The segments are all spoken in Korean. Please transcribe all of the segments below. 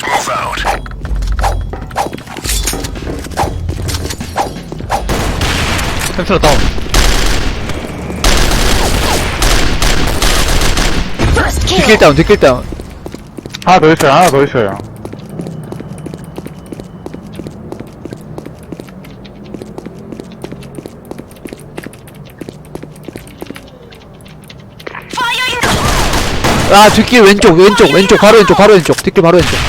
햄스터 다운. 뒷길 다운, 뒷길 다운. 하나 더 있어요, 하나 더 있어요. 아, 뒷길 왼쪽, 바로 왼쪽. 뒷길 바로 왼쪽.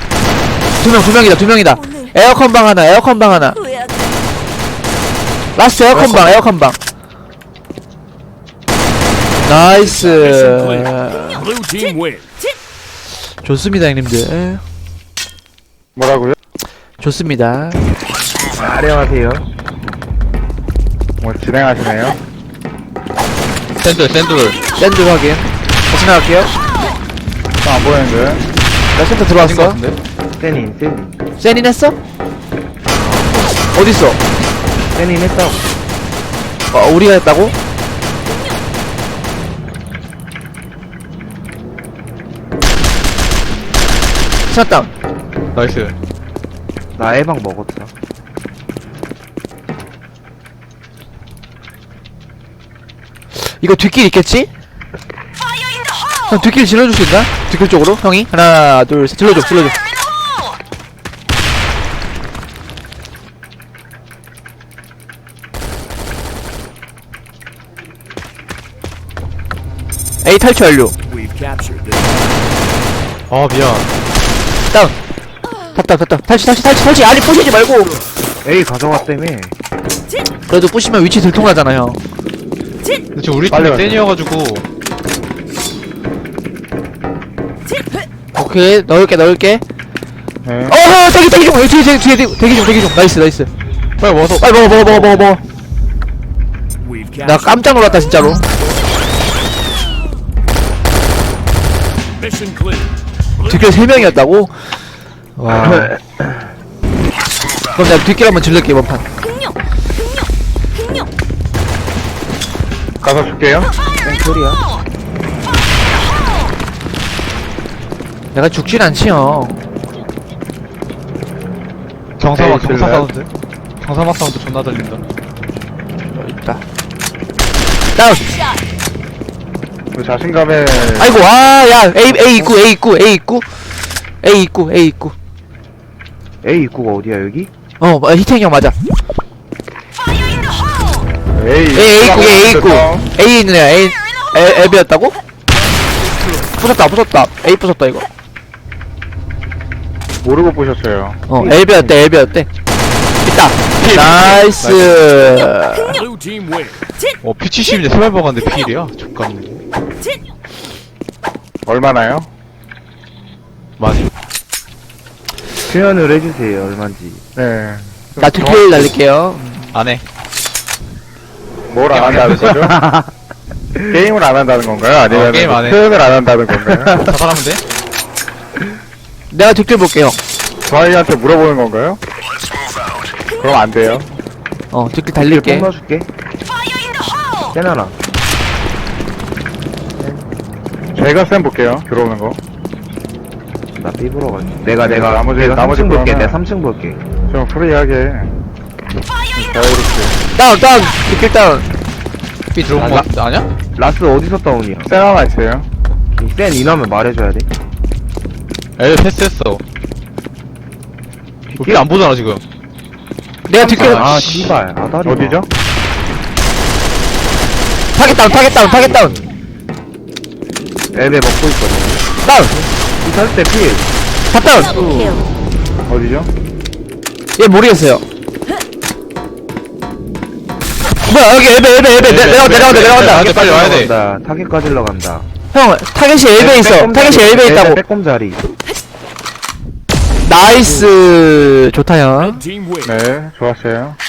두 명이다. 에어컨 방 하나. 라스트 에어컨 방. 나이스. Blue team win. 좋습니다, 형님들. 뭐라고요? 좋습니다. 안녕하세요. 뭐 진행하시네요? 샌들. 샌드 확인. 다시 나갈게요. 안 보이는데. 나 센터 들어왔어. 세니. 세닌 했어? 어딨어? 세니 했다고. 우리가 했다고? 샷다운. 나이스. 나 애방 먹었어. 이거 뒷길 있겠지? 형 뒷길 질러줄 수 있나? 뒷길 쪽으로 형이 하나 둘 셋 질러줘. A 탈출 완료. We've captured this. 아, 미안. 다운. 됐다. 탈출. 아니 부시지 말고. A 가져갔다며. 그래도 부시면 위치 들통나잖아 형. 근데 지금 우리 빨리 팀이 가자. 센이어가지고. 오케이 넣을게. 네. 어허 대기 중. 뒤에 대기 중. 나이스. 빨리 와서. 빨리 먹어. We've 나 captured. 깜짝 놀랐다 진짜로. Mission clear. 뒷길 3명이었다고? 와. 그럼 내가 뒷길 한번 질러게 이번 판. 가서 줄게요. 소리야? 내가 죽진 않지 형. 경사막 에이, 사운드. 경사막 사운드 존나 들린다. 있다. 다운. 그 자신감에. 아이고 야 A 입구. A 입구가 어디야 여기? 히탱이 형 맞아. A 입구. A 있는 애야. A 앱이었다고? 부쉈다. A 부쉈다 이거. 모르고 보셨어요. 앱이었대. 있다. 나이스. Blue team win. P70인데 세발 먹었는데 필이야? 족같네. 얼마나요? 많이. 표현을 해주세요, 얼마인지. 네. 나 뒷길 날릴게요. 안 해. 뭘 안 한다는 거죠? 게임을 안 한다는 건가요? 아니면 게임 안 해. 표현을 안 한다는 건가요? 자살하면 돼? 내가 뒷길 볼게요. 저희한테 물어보는 건가요? 그럼 안 돼요. 뒷길 달릴게. 넣어줄게. 세나나. 제가 쌤 볼게요. 들어오는 거. 나 삐부러 가지. 내가 나머지 3층 볼게. 거는- 내가 3층 볼게. 좀 프리하게. 자유롭게. 다운. 뒷길 다운. P 들어온 거 아냐? 라스 어디서 다운이야? 쌤 하나 있어요. 센 인하면 말해줘야 돼. L 패스했어. P 안 보잖아 지금. 내가 뒷길. 아, 씨발. 아다리. 어디죠? 타겟 다운. 앱에 먹고 있거든. 다운. 이탈 때 필. 다 다운. 어디죠? 얘 모르겠어요. 뭐야 여기 앱에 내려간다. 돼, 빨리 와야 돼. 타겟까지 간다. 형 타겟이 앱에 있어. 타겟이 앱에 있다고. 빼꼼 자리. 나이스. 좋다 형. Red team win. 네, 좋았어요.